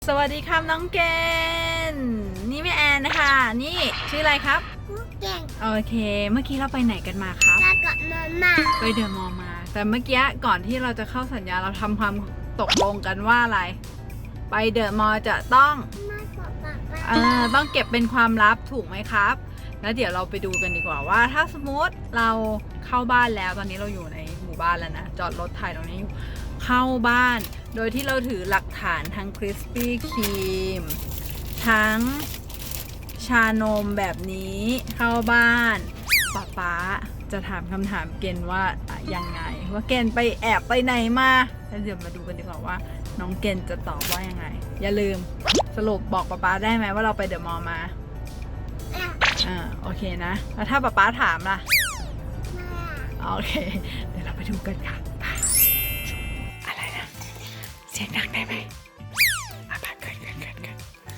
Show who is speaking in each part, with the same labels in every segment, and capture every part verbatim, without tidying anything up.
Speaker 1: สวัสดีครับน้องเกนนี่แม่แอนนะคะนี่ชื่ออะไรครับ
Speaker 2: เก่ง
Speaker 1: โอเคเมื่อกี้เราไปไหนกันมาครับ
Speaker 2: แล้วก็มามา
Speaker 1: ไปเดอะมอลล์มาแต่เมื่อกี้ก่อนที่เราจะเข้าสัญญาเราทำความตกลงกันว่าอะไรไปเดอะมอลล์จะต้องเออต้องเก็บเป็นความลับถูกไหมครับแล้วเดี๋ยวเราไปดูกันดีกว่าว่าถ้าสมมติเราเข้าบ้านแล้วตอนนี้เราอยู่ในหมู่บ้านแล้วนะจอดรถถ่ายตรงนี้เข้าบ้านโดยที่เราถือหลักฐานทั้งคริสปี้ครีมทั้งชานมแบบนี้เข้าบ้านป๊าป๊าจะถามคำถามเกณฑ์ว่ายังไงว่าเกณฑ์ไปแอบไปไหนมาแล้วเดี๋ยวมาดูกันดีกว่าว่าน้องเกณฑ์จะตอบว่ายังไงอย่าลืมสรุปบอกป๊าป๊าได้ไหมว่าเราไปเดอะมอลล์มาอ่าโอเคนะแล้วถ้าป๊าป๊าถามล่ะโอเคเดี๋ยวเราไปดูกันค่ะอะไรนะเสียงดังได้ไหมอ่ะไปเกินเกินเกินเกิน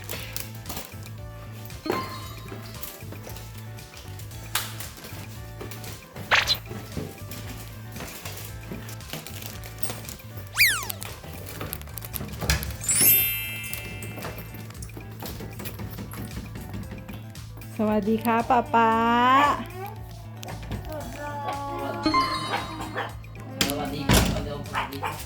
Speaker 1: สวัสดีค่ะป๊าป๊า
Speaker 3: สวัสดีครับเร็วสวัสดีครับ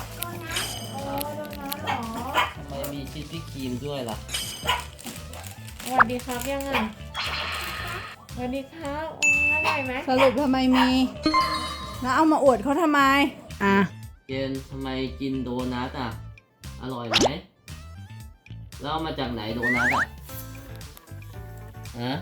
Speaker 3: ทำไมมีชิสปี้ครีมด้วยล่ะ
Speaker 4: สวัสดีครับยังไงสวัสดีครับโอ้อร่อยไหม
Speaker 1: สรุปทำไมมีแล้วเอามาอวดเขาทำไมอ่ะ
Speaker 3: เจนทำไมกินโดนัทอ่ะอร่อยไหมแล้วเอามาจากไหนโดนัทอ่ะฮะ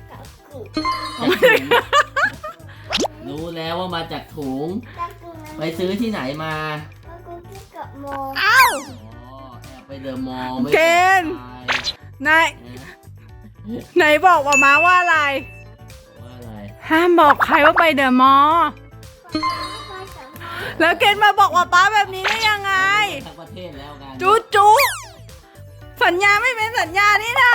Speaker 3: รู้แล้วว่ามาจากถุงไปซื้อที่ไหนมา
Speaker 1: อ้าว
Speaker 3: อ๋อแอบไปเดอะมอลล์ไม่
Speaker 1: เกณฑ์นายไหนบอกว่ามาว่าอะไร
Speaker 3: ว่าอะไร
Speaker 1: ห้ามบอกใครว่าไปเดอะมอลล์แล้วเกณฑ์มาบอกว่าป้าแบบนี้ได้ยังไง
Speaker 3: ทั้งประเทศแล้วกัน
Speaker 1: จุ๊จุ๊สัญญาไม่เป็นสัญญานี่นะ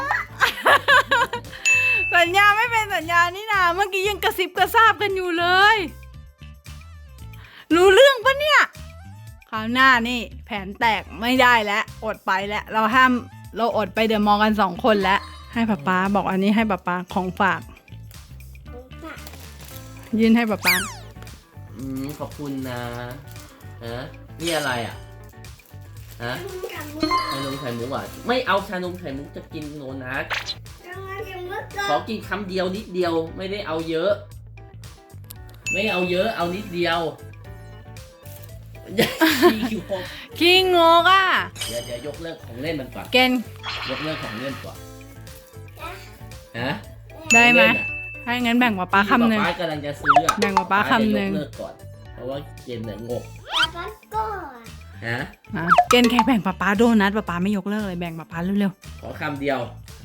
Speaker 1: สัญญาไม่เป็นสัญญานี่นะเมื่อกี้ยังกระซิบกระซาบกันอยู่เลยรู้เรื่องปะเนี่ยคราวหน้านี่แผนแตกไม่ได้แล้วอดไปแล้วเราห้ามเราอดไปเดอะมอลล์กันสองคนแล้วให้ป๊าป๊าบอกอันนี้ให้ป๊าป๊าของฝากยื่นให้ป๊าป๊า
Speaker 3: อืมขอบคุณนะฮะนี่อะไรอ่ะฮะชานมไข่มุกอ่ะไม่เอาชานมไข่มุกจะกินโดนัทขอกินคำเดียวนิดเดียวไม่ได้เอาเยอะไม่เอาเยอะเอานิดเดียว
Speaker 1: ขี้งกอ่ะ
Speaker 3: เดี๋ยวเดี๋ยวยกเลิกของเล่นมันก่อน
Speaker 1: เกน
Speaker 3: ยกเลิกของเล่นก่อนฮะ
Speaker 1: ได้ไหมให้งั้นแบ่งป๊าป๊าคำหนึ่ง
Speaker 3: ป๊ากำลังจะซื้อ
Speaker 1: แบ่งป๊าป๊าคำหนึ่ง
Speaker 3: ยกเลิกก่อนเพราะว่าเกณฑ์เนี่ยงกฮะ
Speaker 1: เกณฑ์แค่แบ่งป๊าป๊าโดนัทป๊าป๊าไม่ยกเลิกเลยแบ่งป๊าป๊าเร็ว
Speaker 3: ๆขอคำเดียว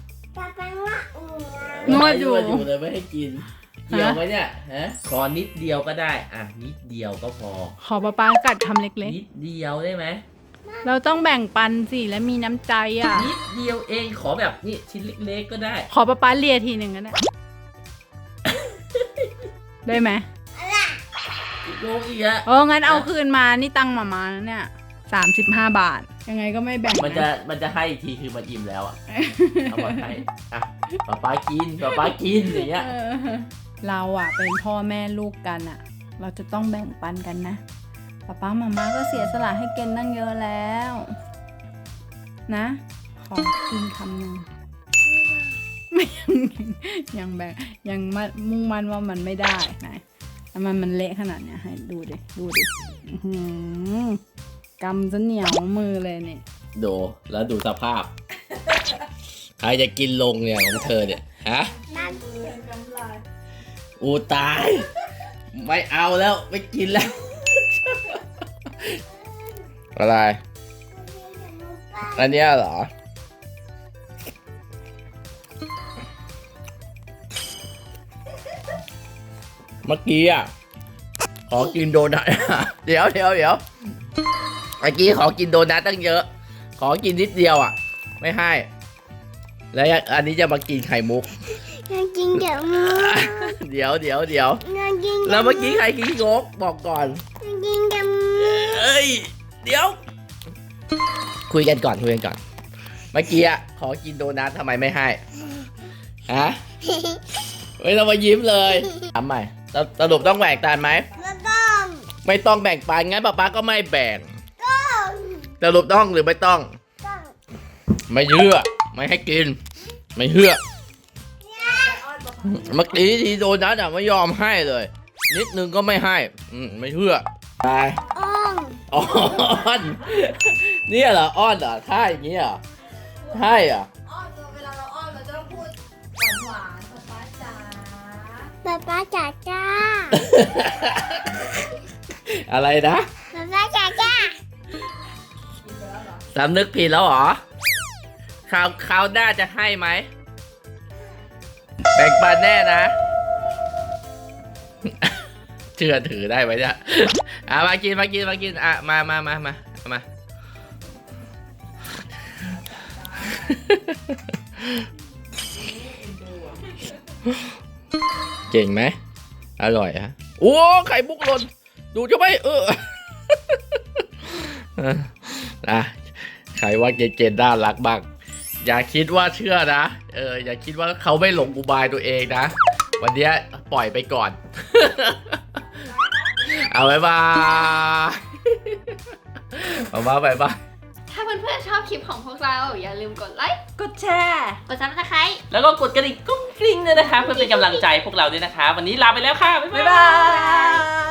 Speaker 1: นวดอยู่
Speaker 3: อยู่เลยไม่ให้กินเดียวไหมเนี่ยฮะขอนิดเดียวก็ได้อ่ะนิดเดียวก็พอ
Speaker 1: ขอป๊าป๊ากัดคำเล็ก
Speaker 3: ๆนิดเดียวได้ไหม
Speaker 1: เราต้องแบ่งปันสิและมีน้ำใจอ่ะ
Speaker 3: นิดเดียวเองขอแบบนี่ชิ้นเล็กๆก็ได้
Speaker 1: ขอป๊าป๊าเลียทีหนึ่งก็ได้ได้ไหม
Speaker 3: โลกอีกอะ
Speaker 1: โอ้งั้นเอาคืนมานี่ตังค์มามาเนี่ยสามสิบห้าบาทยังไงก็ไม่แบ่ง
Speaker 3: มันจะมันจะให้อีกทีคือมันอิ่มแล้วอ่ะเอามาให้อ่ะป๊าป๊ากินป๊าป๊ากินอย่างเงี้ย
Speaker 1: เราอ่ะเป็นพ่อแม่ลูกกันอ่ะเราจะต้องแบ่งปันกันนะป๊าป๊ามาม่าก็เสียสละให้เกณฑ์ตั้งเยอะแล้วนะขอกินคำหนึ่งไม่ยังยังแบ่งยังมุ่งมั่นว่ามันไม่ได้ไหนมันมันเละขนาดเนี้ยให้ดูดิดูดิกำจะเหนียวมือเลยเนี่ย
Speaker 3: ดูแล้วดูสภาพใครจะกินลงเนี่ยของเธอเนี่ยฮะอูตายไม่เอาแล้วไม่กินแล้วอะไรอันนี้เหรอเมื่อกี้อ่ะขอกินโดนัทเดี๋ยวเดี๋ยวเดี๋ยวเมื่อกี้ขอกินโดนัทตั้งเยอะขอกินนิดเดียวอ่ะไม่ให้แล้วอันนี้จะมากินไข่มุก
Speaker 2: กินเดี๋ยวมุก
Speaker 3: เดี๋ยวเดี๋ยวเดี๋ยวแล้วเมื่อกี้ใครกินงกบอกก่อน
Speaker 2: กินเดี๋ยวมุก
Speaker 3: เอ้ยเดี๋ยวคุยกันก่อนคุยกันก่อน เมื่อกี้อะขอกินโดนัททำไมไม่ให้ฮะไม่ต้องมายิ้มเลยทำใหม่สรุปต้องแบ่งปันไหม
Speaker 2: ไม่ต้อง
Speaker 3: ไม่ต้องแบ่งปันงั้นป๊าป๊าก็ไม่แบ่ง
Speaker 2: ต้อง
Speaker 3: สรุปต้องหรือไม่ต้อง
Speaker 2: ต้อง
Speaker 3: ไม่เชื่อไม่ให้กิน ไม่เชื่อเมื่อกี้ทีโดนัทอะไม่ยอมให้เลย นิดนึงก็ไม่ให้อืมไม่เชื่อไป
Speaker 2: อ้อง
Speaker 3: อ้อนเนี่ยเหรออ้อนเหรอท่าอย่างนี้เหรอใช่เหรอ
Speaker 1: อ้อนเวลาเราอ้อนเราจะต้องพูดหวานๆป๊าจ๋า
Speaker 2: ป๊าป๊าจ๋าจ้า
Speaker 3: อะไรนะ
Speaker 2: ป๊าป๊าจ๋าจ้า
Speaker 3: สำนึกผิดแล้วเหรอคราวคราวหน้าจะให้ไหมแบ่งปันแน่นะ เชื่อถือได้ไหมเนี่ยอ่ะมากินมากินมากินอ่ะมามามามามาเก่งไหมอร่อยฮะโอ้ไข่มุกหล่นดูจะไม่เออนะใครว่าเกณฑ์น่ารักบ้างอย่าคิดว่าเชื่อนะเอออย่าคิดว่าเขาไม่หลงอุบายตัวเองนะวันนี้ปล่อยไปก่อน เอาไว้บายเอามาบายบาย
Speaker 5: ถ้าเพื่อนๆชอบคลิปของพวกเราอย่าลืมกดไลค์
Speaker 1: กดแชร์
Speaker 5: กดซับสไครต์
Speaker 3: แล้วก็กดกระดิ่งกุ้งกริ้งด้วยนะคะเพื่อเป็นกำลังใจพวกเราด้วยนะคะ วันนี้ลาไปแล้วค่ะ บ๊าย
Speaker 1: บ๊าย
Speaker 3: บา
Speaker 1: บาย ย